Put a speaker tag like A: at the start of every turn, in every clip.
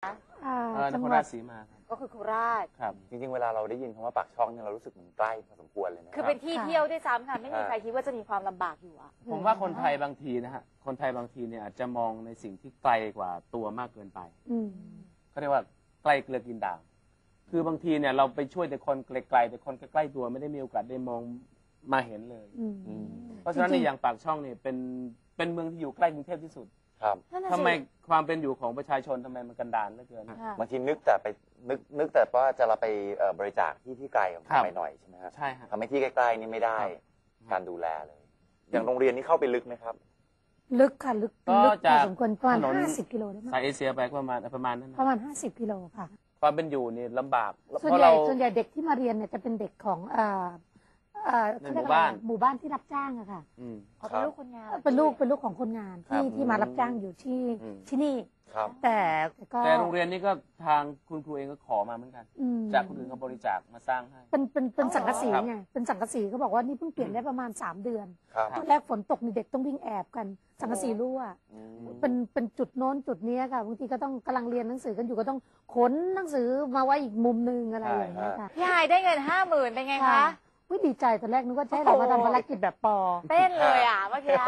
A: นครราชสีมา
B: ก็คือโคราช
A: ครับ
C: จริงๆเวลาเราได้ยินคำว่าปากช่องเนี่ยเรารู้สึกมันใกล้พอสมควรเลยนะ
B: คือเป็นที่เที่ยวด้วยซ้ำค่ะไม่มีใครคิดว่าจะมีความลำบากอยู่อะ
A: ผมว่าคนไทยบางทีนะฮะคนไทยบางทีเนี่ยอาจจะมองในสิ่งที่ไกลกว่าตัวมากเกินไปเขาเรียกว่าใกล้เกลือกินด่างคือบางทีเนี่ยเราไปช่วยแต่คนไกลๆแต่คนใกล้ๆตัวไม่ได้มีโอกาสได้มองมาเห็นเลยเพราะฉะนั้นในอย่างปากช่องเนี่ยเป็นเมืองที่อยู่ใกล้กรุงเทพที่สุด
C: ครับ
A: ทำไมความเป็นอยู่ของประชาชนทำไมมันกันดารเหลือเกิน
C: บางทีนึกแต่ว่าจะเราไปบริจาคที่ไกลออกไปหน่อยใช่ไหมฮะ
A: ใช่ฮะ
C: ทำให้ที่ใกล้ๆนี่ไม่ได้การดูแลเลยอย่างโรงเรียนนี้เข้าไปลึกไหมครับ
D: ลึกค่ะลึกพอสมควรประมาณ50 กิโลได้ไหม
A: สายเอเชียไปประมาณนั้น
D: ประมาณ50 กิโลค่ะ
A: ความเป็นอยู่นี่ลำบาก
D: ส่วนใหญ่เด็กที่มาเรียนเนี่ยจะเป็นเด็กของ
A: หมู่
D: บ้านที่รับจ้างอะค่ะ
B: เป็นลูกคนงาน
D: เป็นลูกของคนงานที่มารับจ้างอยู่ที่นี่แต่
A: โรงเรียนนี้ก็ทางคุณครูเองก็ขอมาเหมือนกันจากคนอื่นเขาบริจาคมาสร้างให้
D: เป็นสังกะสีไงเป็นสังกะสีเขาบอกว่านี่เพิ่งเปลี่ยนได้ประมาณ3 เดือนตอนแรกฝนตกนี่เด็กต้องวิ่งแอบกันสังกะสีรั่วเป็นจุดโน้นจุดนี้ค่ะบางทีก็ต้องกำลังเรียนหนังสือกันอยู่ก็ต้องขนหนังสือมาไว้อีกมุมนึงอะไรอย่างเงี้ยค่ะ
B: พี่ไฮได้เงิน50,000เป็นไงคะ
D: ดีใจตอนแรกนึกว่าจะให้เรามาทำภารกิจแบบปอ
B: เต้นเลยอ่ะเมื่อกี้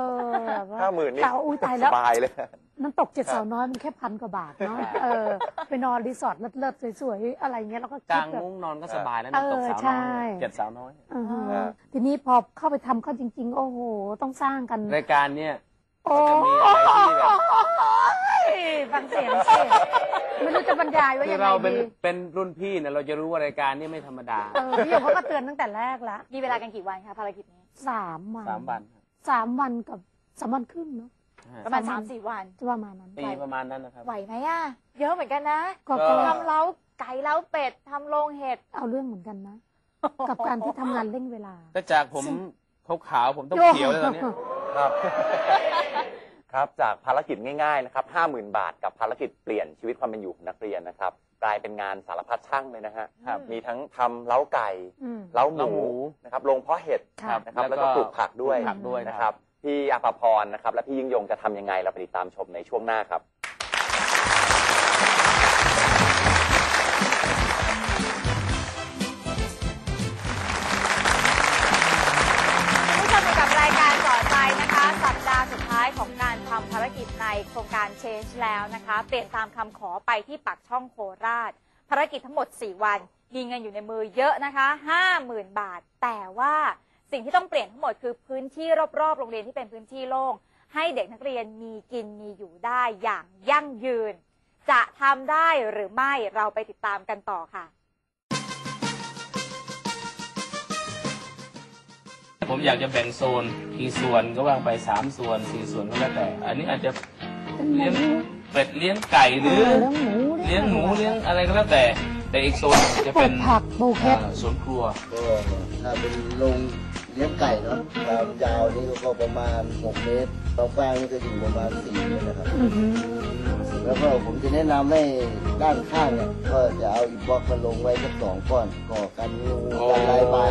C: 50,000นี่
D: อุ้ยตายแล้ว
C: สบายเลย
D: น้ำตก7 สาวน้อยมันแค่1,000 กว่าบาทเนาะไปนอนรีสอร์ทเลิศๆสวยๆอะไรเงี้ยแล้วก็
A: กางมุ้งนอนก็สบายแล้วน้ำตกสาวน้อย7 สาวน้อย
D: ทีนี้พอเข้าไปทำเข้าจริงๆโอ้โหต้องสร้างกัน
A: รายการเนี้ยจะมีอะไรที่แบบ
D: ฟังเสียงสิไม่รู้จะบรรยายว่ายังไง
A: ดีเราเป็นรุ่นพี่เนี่ยเราจะรู้ว่ารายการนี้ไม่ธรรมดา
D: พี่หยกเขาก็เตือนตั้งแต่แรกแล้ว
B: มีเวลากันกี่วันคะภารกิจนี้
D: 3 วัน
A: 3
D: วันกับ3 วันครึ่งเนาะ
B: ประมาณ3-4 วัน
D: ประมาณนั้น
A: ประมาณนั้นนะครับ
B: ไหวไหมอ่ะเยอะเหมือนกันนะทำเล้าไก่เล้าเป็ดทำโรงเห็ด
D: เอาเรื่องเหมือนกันนะกับการที่ทำงานเร่งเวลา
A: แต่จากผมขาวผมต้องเขียวเลยตอนนี้
C: ครับจากภารกิจง่ายๆนะครับ50,000 บาทกับภารกิจเปลี่ยนชีวิตความเป็นอยู่ของนักเรียนนะครับกลายเป็นงานสารพัดช่างเลยนะฮะมีทั้งทำเล้าไก่เล้าหมูนะครับลงเพาะเห็ดนะครับแล้วก็ปลูกผักด้วยนะครับพี่อภพรนะครับและพี่ยิ่งยงจะทำยังไงเราไปติดตามชมในช่วงหน้าครับ
B: สัปดาห์สุดท้ายของการทำภารกิจในโครงการ Change แล้วนะคะเปลี่ยนตามคำขอไปที่ปากช่องโคราชภารกิจทั้งหมด4 วันมีเงินอยู่ในมือเยอะนะคะ50,000 บาทแต่ว่าสิ่งที่ต้องเปลี่ยนทั้งหมดคือพื้นที่รอบๆโรงเรียนที่เป็นพื้นที่โล่งให้เด็กนักเรียนมีกินมีอยู่ได้อย่างยั่งยืนจะทำได้หรือไม่เราไปติดตามกันต่อค่ะ
A: ผมอยากจะแบ่งโซนกี่ส่วนก็ว่างไป3 ส่วน4 ส่วนก็แล้วแต่อันนี้อาจจะเลี้ยงเป็ดเลี้ยงไก่หรือเลี้ยงหมูเลี้ยงอะไรก็แล้วแต่อีกโซนจะเป็น
D: ผักปลูกเห็ด
A: สวนครัว
E: ก็ถ้าเป็นโรงเลี้ยงไก่เนาะความยาวนี่ก็ประมาณ6 เมตรความกว้างนี่ก็อยู่ประมาณ4 เมตรนะครับแล้วก็ผมจะแนะนำให้ด้านข้างเนี่ยก็จะเอาอิฐบล็อกมาลงไว้สัก2 ก้อนก่อกันงูกันลายบาย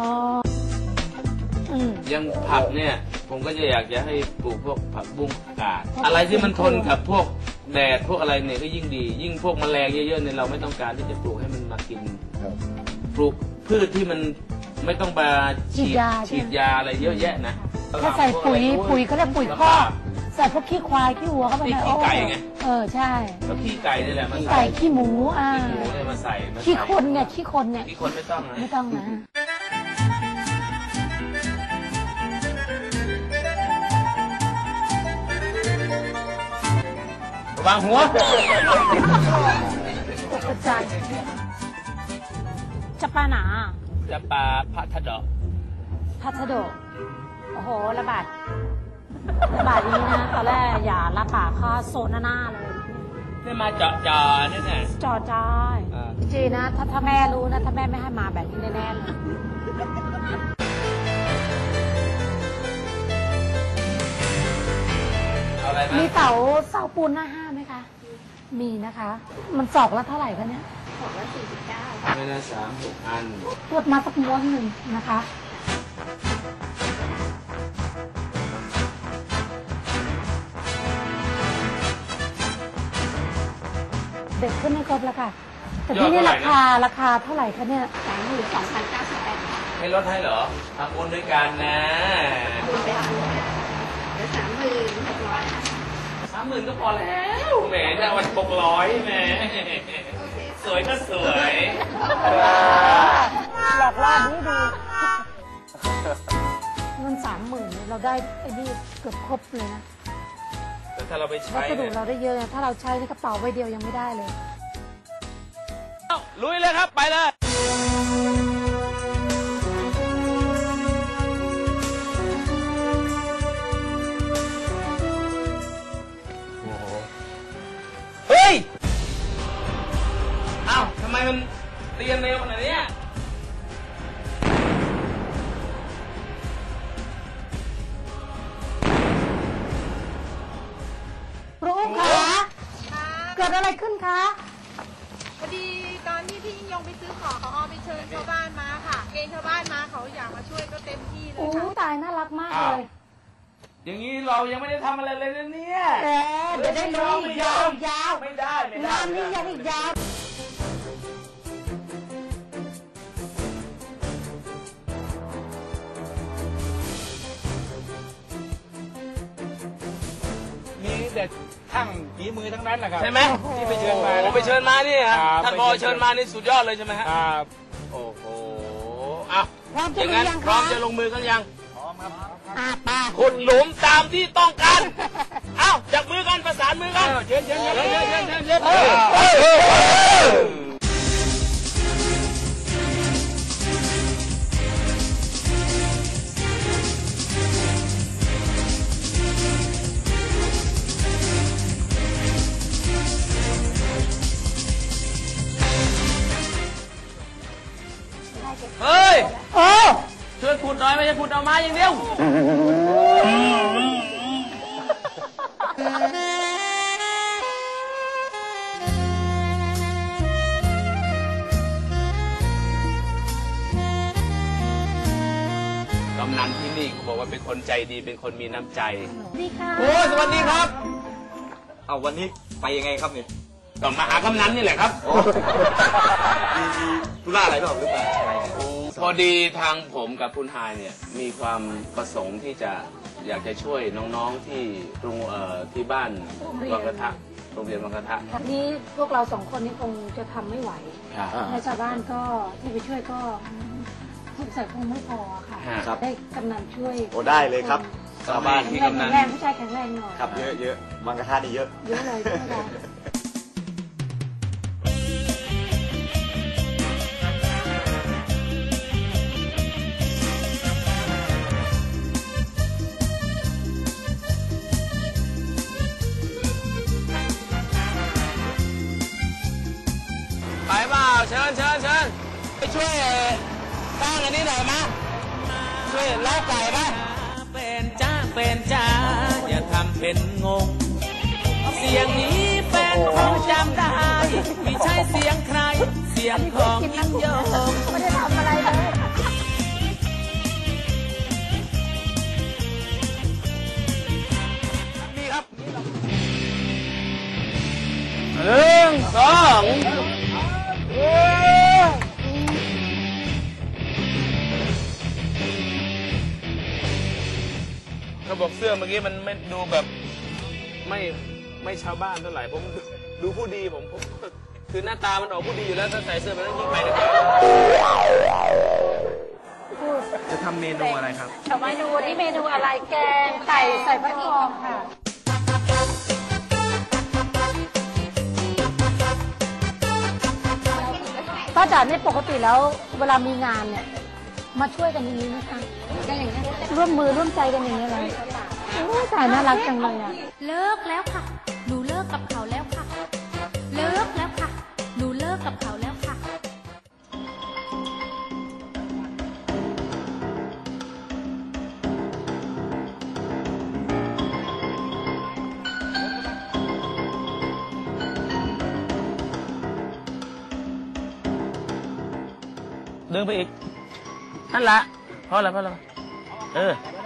A: ยังผักเนี่ยผมก็จะอยากจะให้ปลูกพวกผักบุ้งกาดอะไรที่มันทนกับพวกแดดพวกอะไรเนี่ยก็ยิ่งดียิ่งพวกแมลงเยอะๆเนี่ยเราไม่ต้องการที่จะปลูกให้มันมากินปลูกพืชที่มันไม่ต้องมาฉีดยาอะไรเยอะแยะนะ
D: ถ้าใส่ปุ๋ยเขาเรียกปุ๋ยคอกใส่พวกขี้ควายขี้วัวเข้าไป
A: ขี้ไก่ไง
D: ใช่
A: แล้วขี้ไก่นี่แหละ
D: ขี้ไก่ขี้หมู
A: เนี่ยมาใส่
D: ขี้คนไงขี้คนเนี่ย
A: ขี้คนไม่ต้อง
D: นะ
A: วางหัว
D: จะปลาหนา
A: จะปลาพัทด
D: อกโอ้โหระบาดนี้นะตอนแรกอย่าละป่าค่าโซนหน้าเลย
A: นี่มาเจาะนี่ไง
D: เจาะใจจริงนะถ้าแม่รู้นะถ้าแม่ไม่ให้มาแบบนี้แน่ๆเลยมีเสาปูนหน้า5ไหมคะมีนะคะมันศอกละเท่าไหร่คะเนี่ย
B: ศอกละ49
A: ไม่ละ3-6 อัน
D: ตรวจมาสักม้วนหนึ่งนะคะเด็กขึ้นไม่ครบแล้วค่ะแต่ที่นี่ราคาเท่าไหร่คะเนี่ย
B: 32,098
A: ไม่ลดให้เหรอทำบุญด้วยกันนะ30,000ก็พอแล้วแหมจะวัน600แหมสวยก็สวย
D: หลอกล่อดีเงิน30,000เราได้ไอ้นี่เกือบครบเลยนะ
A: แต่ถ้าเราไปใช้
D: วัสดุเราได้เยอะถ้าเราใช้ในกระเป๋าใบเดียวยังไม่ได้เลย
A: ลุยเลยครับไปเลยเฮ้ยอ้าวทำไมมันเรียนเร็วขนาดนี้
D: ครูคะเกิดอะไรขึ้นคะ
F: พอดีตอนที่พี่ยิ่งยงไปซื้อของเขาเอาไปเชิญชาวบ้านมาค่ะเกณฑ์ชาวบ้านมาเขาอยากมาช่วยก็เต็มที่เลยค่ะ
D: ตายน่ารักมากเลย
A: อย่างนี้เรายังไม่ได้ทำอะไรเลยนะเนี่ย
D: เดี๋ยวได้รู้อีกยาว
A: ไม่ได้
D: งานนี้ยังอีกยาว
G: มีแต่ช่างฝีมือทั้งนั้นแหละครับ
A: ใช่ไหม
G: ที่ไปเชิญมา
A: ไปเชิญมานี่ฮะท่านพอเชิญมานี่สุดยอดเลยใช่ไหมฮะ
G: ครับ
A: โอ้โหอ่ะอย่างนั้นพร้อมจะลงมือกันยัง
G: พร้อมครับ
A: ขุดหลุมตามที่ต้องการเอ้าจับมือกันประสานมือกัน
G: เชิญ
A: เฮ้ยช่วยขุดหน่อยไม่ใช่ขุดเอาไม้อย่างเดียวกำนันที่นี่เขาบอกว่าเป็นคนใจดีเป็นคนมีน้ำใจ
D: ดีค่ะ
A: โอ้สวัสดีครับ
C: เอาวันนี้ไปยังไงครับเนี่ย
A: ต้องมาหากำนันนี่แหละครับ
C: มีธุระอะไรบ้างหรือเปล่า
A: พอดีทางผมกับคุณไฮเนี่ยมีความประสงค์ที่จะอยากจะช่วยน้องๆที่ที่บ้านวังกระทะโรงเรียนวังกระทะ
D: นี้พวกเรา2 คนนี้คงจะทำไม่ไหวในชาวบ้านก็ที่ไปช่วยก็สงสัยคงไม่พอค่ะได้กำนันช่วย
C: โอ้ได้เลยครับชาวบ้าน
D: ที่กำนันแรงผู้ชายแข็งแรงหน่อย
C: ครับเยอะวังกระทะนี่เยอะ
D: เลยช่วยกัน
A: ไปเปล่าเชิญไปช่วยสร้างอันนี้หน่อยมาช่วยเล้าไก่ไหมเป็นจ้าอย่าทำเป็นงงเสียงนี้แฟนคงจำได้ไม่ใช่เสียงใครเสียงของยิ่งยง
D: ไม่ได้ทำอะไรเลย
A: นี่ครับ1 2ระบบเสื้อเมื่อกี้มันไม่ดูแบบไม่ชาวบ้านเท่าไหร่ผมดูผู้ดีผมคือหน้าตามันออกผู้ดีอยู่แล้วถ้าใส่เสื้อแบบนั้นยิ่งไปเลยจะทำเมนูอะไรครับ
D: เมนูนี้เมนูอะไรแกงไก่ใส่ฟักทองค่ะป้าจ๋าเนี่ยปกติแล้วเวลามีงานเนี่ยมาช่วยกันอย่างนี้นะคะก็อย่างนี้ร่วมมือร่วมใจกันอย่างนี้เลยแต่น่ารักจังเลยอ่ะ
F: เลิกแล้วค่ะหนูเลิกกับเขาแล้วค่ะเลิกแล้วค่ะหนูเลิกกับเขาแล้วค่ะ
A: ดึงไปอีกนั่นละพอแล้ว